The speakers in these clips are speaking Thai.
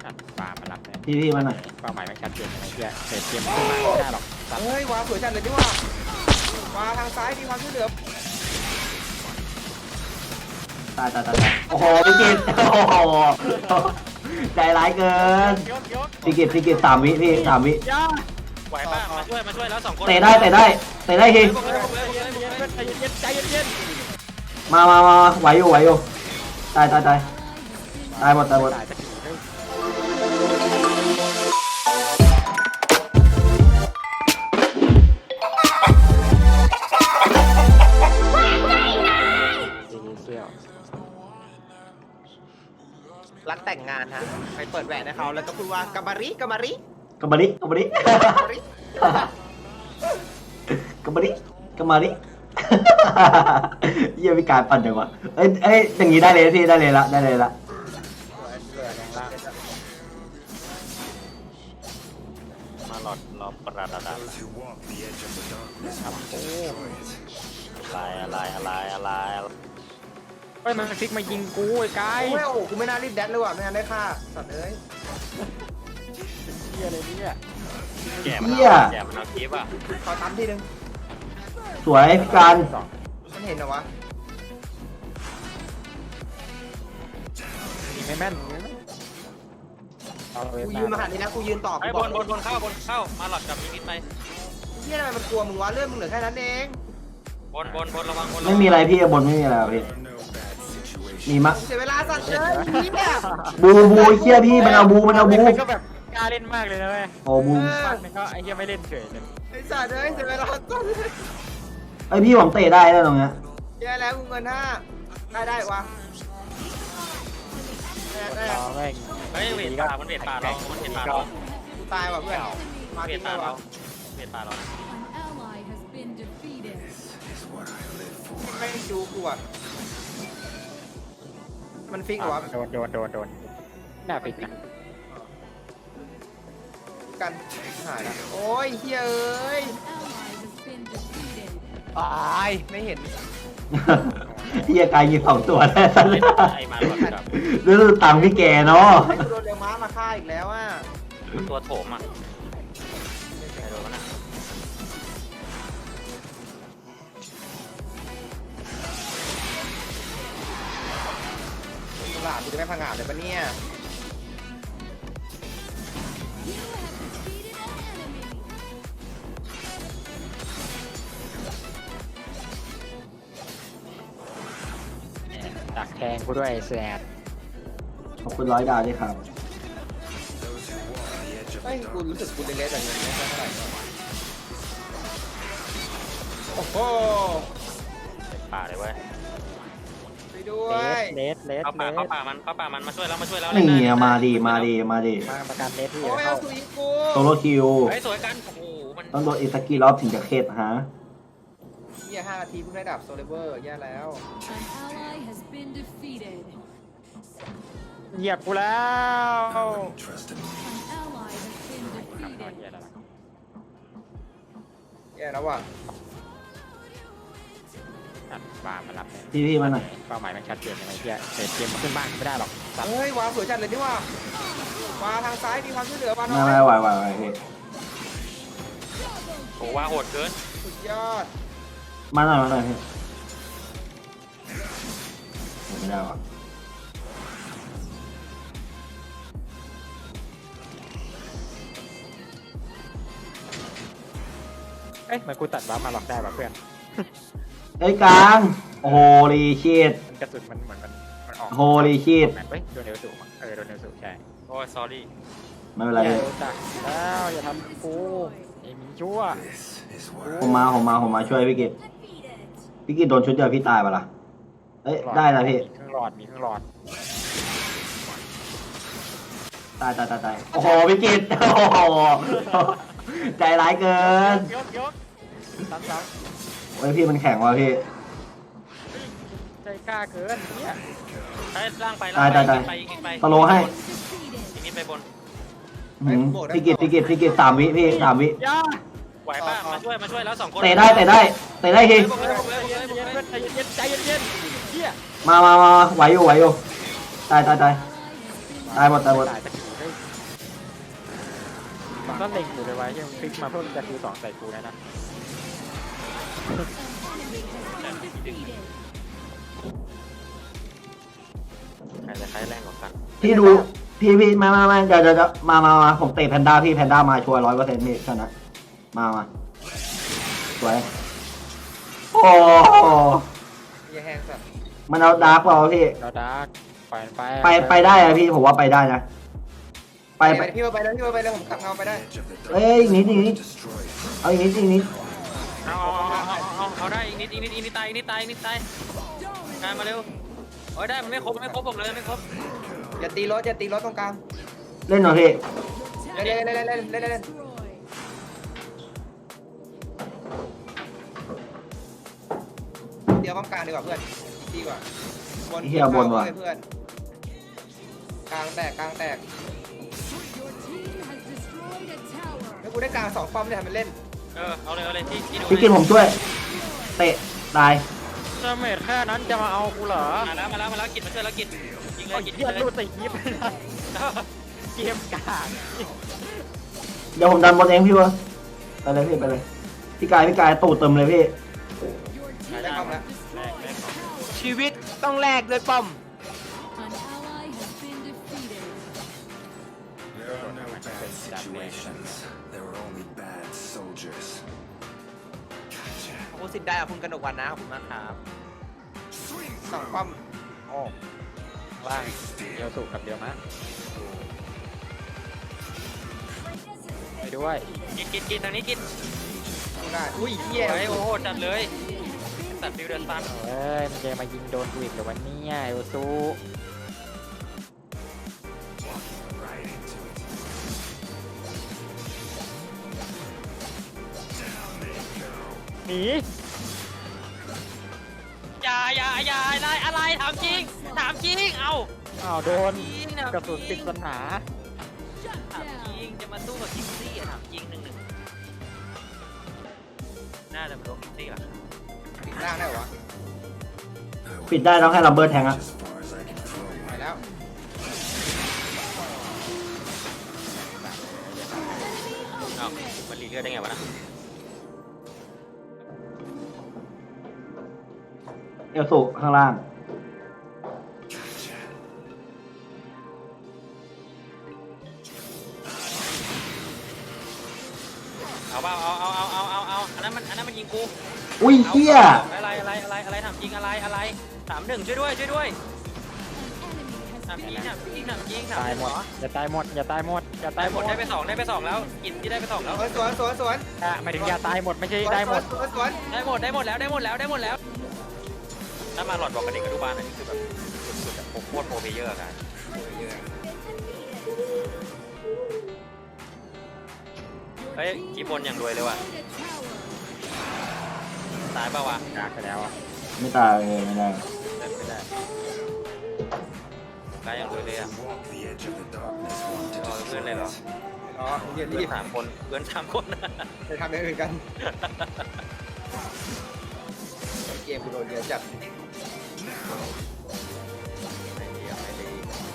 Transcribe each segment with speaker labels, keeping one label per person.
Speaker 1: ปามารับเลย
Speaker 2: พี่มาหน่อย
Speaker 1: เป้าหมายไม่ชัดเจนอะไรเงี้ยเสร็จเกมขึ้นมาไม่ได้หรอกสัตว์
Speaker 3: เฮ้ยวาสวยจัดเลยดิว่าวาทางซ้ายมีความช่วยเหลือ
Speaker 2: ตายโอ้โหพี่กิตโอ้โหใจร้ายเกิน
Speaker 1: ยก
Speaker 2: พี่กิต3 วิพี่3 วิ
Speaker 1: ย่า
Speaker 4: ไหวป่ะมาช่วยแล้ว2 คน
Speaker 2: เตะได้ที
Speaker 1: ใจเย็นใจเย็น
Speaker 2: มาไหวอยู่ตายหมด
Speaker 1: ตายสักทีเฮ้ยเสื้อ
Speaker 3: รักแต่งงานฮะไปเปิดแหวนให้เขาแล้วก็พูดว่ากามาริ
Speaker 2: กบริกบริเยี่ยมีการปั่นจังวะเอ้ยอย่างนี้ได้เลยพี่ได้เลยละ
Speaker 1: แรงล่าง
Speaker 4: มาหลอดรอประดับ
Speaker 5: Those who walk the edge of the darkness
Speaker 1: ครับ
Speaker 5: must
Speaker 1: โอ้
Speaker 5: destroy it.
Speaker 4: อะไร
Speaker 1: เฮ้ยมันฟิกมายิงกูไอ้กาย
Speaker 3: โอ้ยโอ้โหกูไม่น่ารีบแดดเลยว่ะไม่งั้นได้ค่าสัตว์เอ้ย
Speaker 1: เฮียอะไรเนี่ย
Speaker 4: แก่มันเอาคลิปอ่ะ
Speaker 3: ขอตั้มทีนึง
Speaker 2: สวยพี่การ
Speaker 3: มันเห็นเหรอวะ
Speaker 1: ยิงไม่แม่นเอาเลย
Speaker 3: กูยืนมาหันนี่นะกูยืนต่อ
Speaker 4: ไอ้
Speaker 3: กู
Speaker 4: บบ
Speaker 3: อน ก
Speaker 4: เข้ามาหลอดกับมิดไป
Speaker 3: เฮียทำไมมันกลัวมึงวะเรื่องมึงเหลือแค่นั้นเอง
Speaker 4: บนระวัง
Speaker 2: ไม่มีอะไรพี่บนไม่มีอะไรพี่
Speaker 5: No bad situation.
Speaker 2: มีมะ
Speaker 3: เสียเวลาสัตว์เลยเฮีย
Speaker 2: บูเคียพี่มันเอาบู
Speaker 1: มันก็แบบกล้าเล่นมากเลยนะเว้ย
Speaker 2: โอ้บู
Speaker 1: มันก็ไอ้เฮียไม่เล่นเฉยเลย
Speaker 3: ไอ้สัตว์เอ้ยเสียเวลาสัตว์เลย
Speaker 2: ไอพี่ผมเตะได้แล้วตรงเนี้ย
Speaker 3: แย่แล้วกูเงิน5ได้วะได้
Speaker 1: รอแม่ง
Speaker 4: เฮ้ยเวทป่าเรา
Speaker 3: กูตายว่ะเพื่อนมา
Speaker 4: เว
Speaker 3: ทิ้
Speaker 4: ท
Speaker 3: ง
Speaker 4: ป่า
Speaker 3: เลย
Speaker 4: เรา
Speaker 3: วะ
Speaker 4: เวทป่าเรา
Speaker 6: An ally has been defeated.
Speaker 5: This is what I live for.
Speaker 3: ไม่จูกูอ่ะมันฟิกเหรอวะ
Speaker 1: โดนหน้าปิดนะ
Speaker 3: กันหายแล้วโอ้ยเฮ้ยเอ้ย
Speaker 6: Ally has been defeated.
Speaker 3: ตายไม่เห็น
Speaker 2: เฮียกายยิง2 ตัวได้สันเลย
Speaker 4: ไอ้มาหลอดกับ
Speaker 2: รู้สึกตังค์พี่แกเนาะ
Speaker 3: ให้กูโดนเรียวม้ามาฆ่าอีกแล้วอ่ะ
Speaker 4: ตัวโถมอ่ะโดนนะ
Speaker 3: ตลาดกูจะไม่พังงาดเลยปะเนี่ย
Speaker 1: ดักแทงกูด้วยแสบ
Speaker 2: ขอบคุณ100 ดาวด้วยครับ
Speaker 5: Those who walk the edge of
Speaker 3: เฮ้ย
Speaker 5: the
Speaker 3: กูรู้สึก
Speaker 5: darkness
Speaker 3: กูเล็กๆแต่เงินไม่เท่าไหร่โอ้โห
Speaker 4: เวทป่าเลยเว้ย
Speaker 3: ไปด้วย
Speaker 1: เลส
Speaker 4: เข้าป่ามันมาช่วยแล้ว
Speaker 2: นี่มาดี
Speaker 1: มาประกันเลสที่
Speaker 3: โอ้ย
Speaker 1: เข้า
Speaker 3: เอาสุยกู
Speaker 2: โซโลคิว
Speaker 4: เฮ้ยสวยกันโอ้โหมัน
Speaker 2: ต้องโดนอีกสักกี่รอบถึงจะเข็ดฮะ
Speaker 3: เฮีย5 นาทีเพิ่งได้ดับโซเลเวอร์แย่แล้ว
Speaker 6: An ally has been defeated.
Speaker 1: เหยียบกูแล้ว
Speaker 5: Don't trust in me.
Speaker 6: An ally has been defeated.
Speaker 3: แย่แล้วว่ะ
Speaker 1: ปามารับเลย
Speaker 2: พี่มาหน่อย
Speaker 1: เป้าหมายมันชัดเจนอะไรเงี้ยเสร็จเกมขึ้นบ้านไม่ได้หรอกสัตว์
Speaker 3: เฮ้ยวาสวยจัดเลยดิว่าวาทางซ้ายมีความช่วยเหลือวาน้อ
Speaker 2: ไม่
Speaker 3: ย
Speaker 2: ไหวพี่
Speaker 4: โอ้ว่าโหดเกิน
Speaker 3: สุดยอด
Speaker 2: มาหน่อยพี่ไม่ได้ว่ะ
Speaker 1: เอ้ยมันกูตัดบัฟมาหลอกได้ป่ะเพื่อน
Speaker 2: เอ้ยกลางโอ้โหรีชีต
Speaker 1: มันกระสุนมันเหมือนมันออก
Speaker 2: โฮลีชีต
Speaker 1: แมปเฮ้ยโดนเนวสูมั้งโดนเนวสูใช่
Speaker 4: โอ้ย sorry
Speaker 2: ไม่เป็นไร
Speaker 1: อย่าโดนจักแล้วอย่าทำกูไอ้หมีชั่ว
Speaker 5: This is what
Speaker 2: ผมมาช่วยพี่กิตพี่กิตโดนชุดเดียวพี่ตายปะล่ะเอ้ยได้แล้วพี่
Speaker 1: มีเครื่องหลอด
Speaker 2: ตายโอ้โหพี่กิตโอ้โหใจร้ายเกิน
Speaker 1: ยกซ้ำ
Speaker 2: โอ้ยพี่มันแข็งว่ะพี่
Speaker 1: ใจกล้าเกินเนี่ย
Speaker 4: ให้ล่างไป
Speaker 2: ตะโลให้
Speaker 6: Defeated.
Speaker 4: อีกนิดไปบน
Speaker 2: พี่กิต3 วิพี่3 วิ
Speaker 1: ย่า
Speaker 4: ไหวป่ะมาช่วยแล้ว2 คน
Speaker 2: เตะได้ที
Speaker 1: ใจเย็นเฮีย
Speaker 2: มาไหวอยู่ตายหมด
Speaker 1: ตายสักทีเฮ้ยก็เล็งอยู่เลยไว้ยังคลิกมาเพื่อจะคิว2ใส่กูนะ
Speaker 6: Defeated.
Speaker 4: ใครจะใช้แรงกว่ากัน
Speaker 2: พี่ดูพี่มาเดี๋ยวมาผมเตะแพนด้าพี่แพนด้ามาชัวร์100%พี่ชนะมาสวยโอ้
Speaker 3: อย่าแห้งสัตว์
Speaker 2: มันเอาดาร์กเราพี่
Speaker 1: เราดาร์กไป
Speaker 2: ไปได้อะพี่ผมว่าไปได้นะไป
Speaker 3: พี่มาไปเลยผมขับเงาไปได้
Speaker 5: Edge of the
Speaker 2: เอ้ยอีกนิด
Speaker 5: destroy it.
Speaker 2: เอาอีกนิด
Speaker 4: เอาได้อีกนิดตายงานมาเร็วโอ้ยได้มันไม่ครบบอกเลยไม่ครบ
Speaker 3: อย่าตีรถตรงกลาง
Speaker 2: เล่นหน่อยพี่
Speaker 3: เล่น
Speaker 6: Destroyed.
Speaker 3: เดี๋ยวป้อมกลางดีกว่าเพื่อนดีกว่าเพื่อนกลางแตก
Speaker 6: Your team has destroyed a tower.
Speaker 3: แล้วกูได้กลาง2ป้อมเนี่ยทำเป็นเล่น
Speaker 4: เอาเลยที่ดู
Speaker 2: พี่กินผมช่วย เตะตาย
Speaker 1: ดาเมจแค่นั้นจะมาเอากูเหรอ
Speaker 4: มาแล้วกินมาช่วยแล้วกินยิงเลยกิน
Speaker 1: เหี้ย
Speaker 4: เลย
Speaker 1: รูดใส่ยิบเกมกาก
Speaker 2: เดี๋ยวผมดันบอลเองพี่วะไปเลยพี่ไปเลยพี่กายตูดเติมเลยพี่
Speaker 6: Your team
Speaker 3: ได้ป้อมแล้ว
Speaker 6: destroyed a tower.
Speaker 3: ชีวิตต้องแลกด้วยป้อม
Speaker 6: An ally has been defeated.
Speaker 5: There are no bad situations. There are only bad soldiers. Gotcha.
Speaker 3: ขอบคุณสิทธิ์ได้คุณกนกวันนะขอบคุณมากครับ2ป้อมโอ้
Speaker 1: ล่างเดียวสุกับเดียวมะไปด้วย
Speaker 4: กินทางนี้กิน
Speaker 3: ได้อุ้ยเหี้ย
Speaker 4: โอ้โหจัดเลยตัดฟิวเดินตัน
Speaker 1: เอ้ยมันจะมายิงโดนกูอีกเหรือวันนี้เอลซู
Speaker 5: Right into it.
Speaker 1: หนี
Speaker 4: อย่าอะไรถามจริงเอา
Speaker 1: อ้าวโดน
Speaker 4: จริงนะ
Speaker 1: กระสุนติดปัญหา
Speaker 6: Shut
Speaker 4: ถามจริง
Speaker 6: down.
Speaker 4: จะมาสู้กับคิกซี่ถามจริง1-1น่าจะเป็นโดนคิกซี่หรอ
Speaker 3: ปิดล่างได้วะ
Speaker 2: ปิดได้ต้องให้ลัมเบอร์แทงอะ
Speaker 5: As far as I can throw
Speaker 3: ไป
Speaker 5: one.
Speaker 3: แล้ว
Speaker 4: เอ้ามันรีเลือดได้ไงวะนะ
Speaker 2: เอลสุข้างล่าง
Speaker 5: Gotcha.
Speaker 4: เอาเปล่าเอาอันนั้นมันยิงกู
Speaker 2: อุ้ยเฮีย
Speaker 4: อะไรถามจริงอะไร3-1ช่วยด้วย
Speaker 6: An enemy has
Speaker 4: ถามจริง
Speaker 6: been
Speaker 4: ถามจริง
Speaker 1: ตายหมดอย่าตายหมดอย่าตายหมดอย่าตา
Speaker 4: ได้
Speaker 1: ย
Speaker 4: ห
Speaker 1: ห
Speaker 4: ม
Speaker 1: ม
Speaker 4: ด
Speaker 1: ด
Speaker 4: ได้ไป2แล้วกินที่ได้ไป2แล้ว
Speaker 3: สวน
Speaker 1: หมายถึงอย่าตายหมดไม่ใช่ได้หมด
Speaker 3: สวน
Speaker 4: ได้หมดแล้วถ้ามาหลอดบอกกับเด็กอนุบาลอันนี้คือแบบสุดๆอะผมโคตรโปรเพลเยอร์กันเฮ้ยกีบนอย่างรวยเลยว่ะ
Speaker 6: destroyed a tower.
Speaker 4: ตายเปล่าวะ
Speaker 1: กากไปแล้วอ่ะ
Speaker 2: ไม่ตายเลยไม่ได้
Speaker 4: ไม่ได้ตายอย่างรวยเลยอ่ะ
Speaker 5: Walk the edge of the darkness, one to
Speaker 4: รอเพื่อน
Speaker 5: destroy
Speaker 4: เลยเหรอ
Speaker 5: it.
Speaker 3: อ๋อเดี๋ยว
Speaker 4: เพื่
Speaker 3: รี
Speaker 4: อน
Speaker 3: บ
Speaker 4: 3 คนเพื่อน3 คน
Speaker 3: ไปทำอย่างอื่นกันเกมกูโดนเยอะจัด
Speaker 4: ไม่ดีอ่ะไม่ดี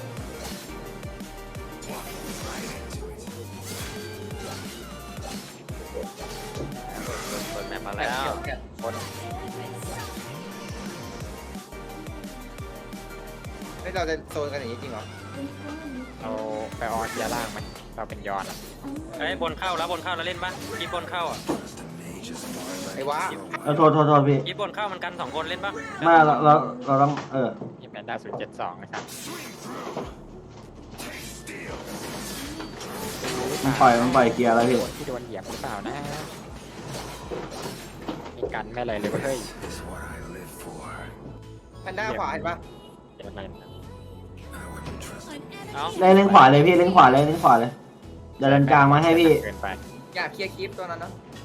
Speaker 5: Right into it.
Speaker 4: เปิดแมปมาแล้ว
Speaker 3: คน เราจะโซนกันอย่างนี้จริงเหรอ
Speaker 1: เราไปออนเกียร์ล่างไหมเราเป็นยอนอะ
Speaker 4: เฮ้ยบนเข้าแล้วเล่นปะกีบบนเข้าอ่ะ
Speaker 5: Just a mage as far as I
Speaker 3: ไอ้
Speaker 5: can
Speaker 3: วะ
Speaker 5: throw
Speaker 2: โทษพี่
Speaker 4: กีบบนเข้ามันกัน2 คนเล่นปะ
Speaker 2: ไม่เราต้อง
Speaker 1: นี่เป็นดาว072นะครับ
Speaker 2: มันปล่อยเกียร์แล้วพี่
Speaker 1: ที่โดนเหยียบหรือเปล่านะมีกันไม่อะไรเลยเฮ้ย
Speaker 5: is what I live for.
Speaker 3: แพนด้าขวาเห็นปะ
Speaker 1: เดี๋ยวเล่น
Speaker 5: I wouldn't trust
Speaker 6: An
Speaker 5: him.
Speaker 6: enemy
Speaker 4: เอ้า
Speaker 2: เล่นขวาเลยพี่เล่นขวาเลยเดี๋ยวดันกลางมาให้พี่
Speaker 1: เกินไป
Speaker 3: อยากเคลียร์คลิปตัวนั้นนะ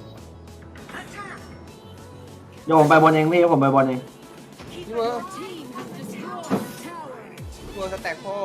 Speaker 2: โยผมไปบอลเองพี่ผมไปบอลเอง
Speaker 3: พี่เวอร์
Speaker 6: Your team has destroyed a tower.
Speaker 3: ตัวสแต็กโฮม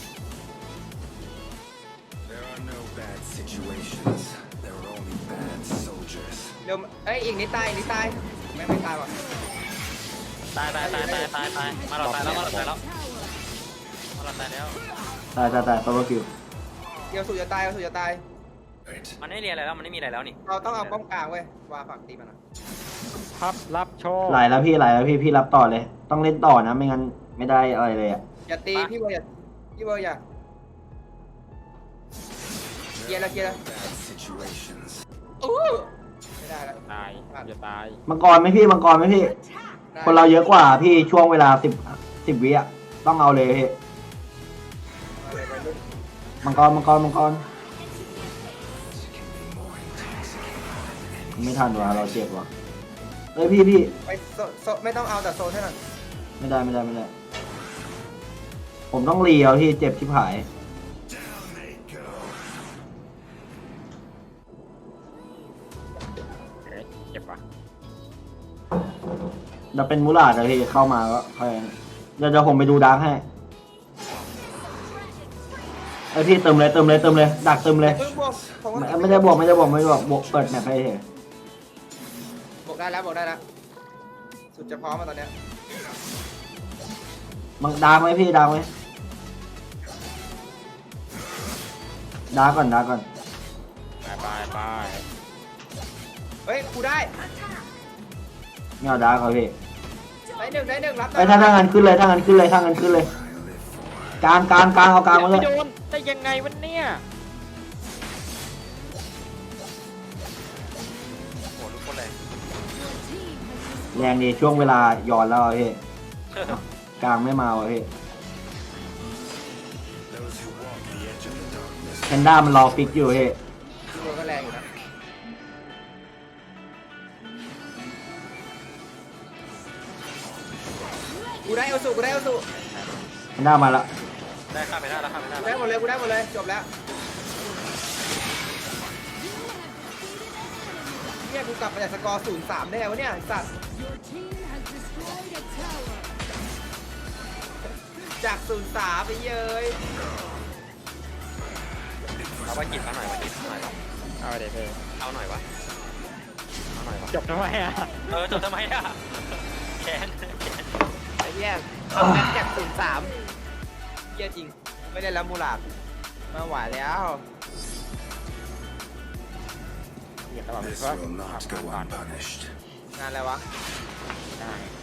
Speaker 5: There are no bad situations. There are only bad soldiers.
Speaker 3: เร็วเอ้ยอีกนิดตายไม่ตายว่ะ
Speaker 4: ตายมาหลอดตายแล้ว
Speaker 6: Tower.
Speaker 4: ตายแล้ว
Speaker 2: ตายโซโลคิว
Speaker 3: เดี๋ยวสุดจะตาย
Speaker 5: Right.
Speaker 4: มันไม่เรียนอะไรแล้วมันไม่มีอะไรแล้วนี่
Speaker 3: เราต้องเอาป้อมกลางเว้ย วาฝั่งตีมันอ่ะ
Speaker 1: พับรับโชว์
Speaker 2: ไหลแล้วพี่ไหลแล้วพี่รับต่อเลย ต้องเล่นต่อนะไม่งั้นไม่ได้อะไรเลยอ่ะ
Speaker 3: อย่าตีพี่เบอร์อย่าพี่เบอร์อย่าเกียร์ละเกียร์ละ
Speaker 5: Bad situations.
Speaker 3: ไม่ได้แล้ว
Speaker 1: ตายอย่าตาย
Speaker 2: มังกรไหมพี่มังกรไหมพี่
Speaker 3: ได้
Speaker 2: คนเราเยอะกว่าพี่ช่วงเวลา10 วิอ่ะต้องเอาเลยพี่
Speaker 3: เอาเลยไปรุ่น
Speaker 2: มังกรไม่ทันว่ะเราเจ็บว่ะเฮ้ยพี่
Speaker 3: ไปไม่ต้องเอาแต่โซนให้หน่อย
Speaker 2: ไม่ได้ ผมต้องรีเอาพี่เจ็บชิบหาย
Speaker 1: เฮ้ยเจ็บปะ
Speaker 2: จะเป็นมูลาดอะพี่เข้ามาก็ค่อยเดี๋ยวผมไปดูดาร์กให้ไอพี่เติมเลยดักเติมเลย
Speaker 3: เพิ่งบวกผมว่า
Speaker 2: ไม่ได้บวกบวกเปิดแมปให้เฉย
Speaker 3: บวกได้แล้วสุดจะพร้อมมาตอนเนี้ย
Speaker 2: มังดาร์กไหมพี่ดาร์กไหมดาร์กก่อน
Speaker 1: ไป
Speaker 3: เฮ้ยกูได้
Speaker 2: ไม่เอาดาร์กเอาพี่
Speaker 3: ได้หนึ่งรับ
Speaker 2: ไอถ้างั้นขึ้นเลยกลางเอากลางมาเล
Speaker 1: ไม่
Speaker 2: ย
Speaker 1: โดนได้ยังไงวะเนี่ย
Speaker 4: โหทุกคนเลย
Speaker 2: แรงดีช่วงเวลาย้อนแล้วอะพี่กลางไม่มาว่ะพี่
Speaker 5: Those who walk the edge of the darkness.
Speaker 2: แพนด้ามันรอฟิกอยู่พี่
Speaker 3: ตัวก็แรงอยู่นะกูได้เอาสุ
Speaker 2: แพนด้ามาละ
Speaker 4: ได้ข้ามไปได้แล้วข้ามไปได้
Speaker 3: กู
Speaker 4: แล้
Speaker 3: ได้
Speaker 4: ว
Speaker 3: หมดเลยจบแล้วเนี่ยกูกลับมาจากสกอร์ 0-3 ได้ไงวะเนี่ยไอ้สัตว์
Speaker 6: Your team has destroyed a tower.
Speaker 3: จาก 0-3 ไปเย้ย
Speaker 4: เอาไว้กินเอาหน่อยวะ
Speaker 1: เอาเดี๋ยวเธอ
Speaker 4: เอาหน่อยวะเอาหน่อยวะ
Speaker 1: จบทำไมอ่ะ
Speaker 4: จบทำไมอ่ะแค้น
Speaker 3: ไอ้เหี้ยแมตช์จาก 0-3เหี้ยจริง ไม่ได้แล้วมูลาดมาไหวแล้ว
Speaker 1: เดี๋ยวตลอดเลย
Speaker 5: This
Speaker 1: เพราะ
Speaker 5: will not go unpunished.
Speaker 3: งานอะไรวะ
Speaker 1: ได้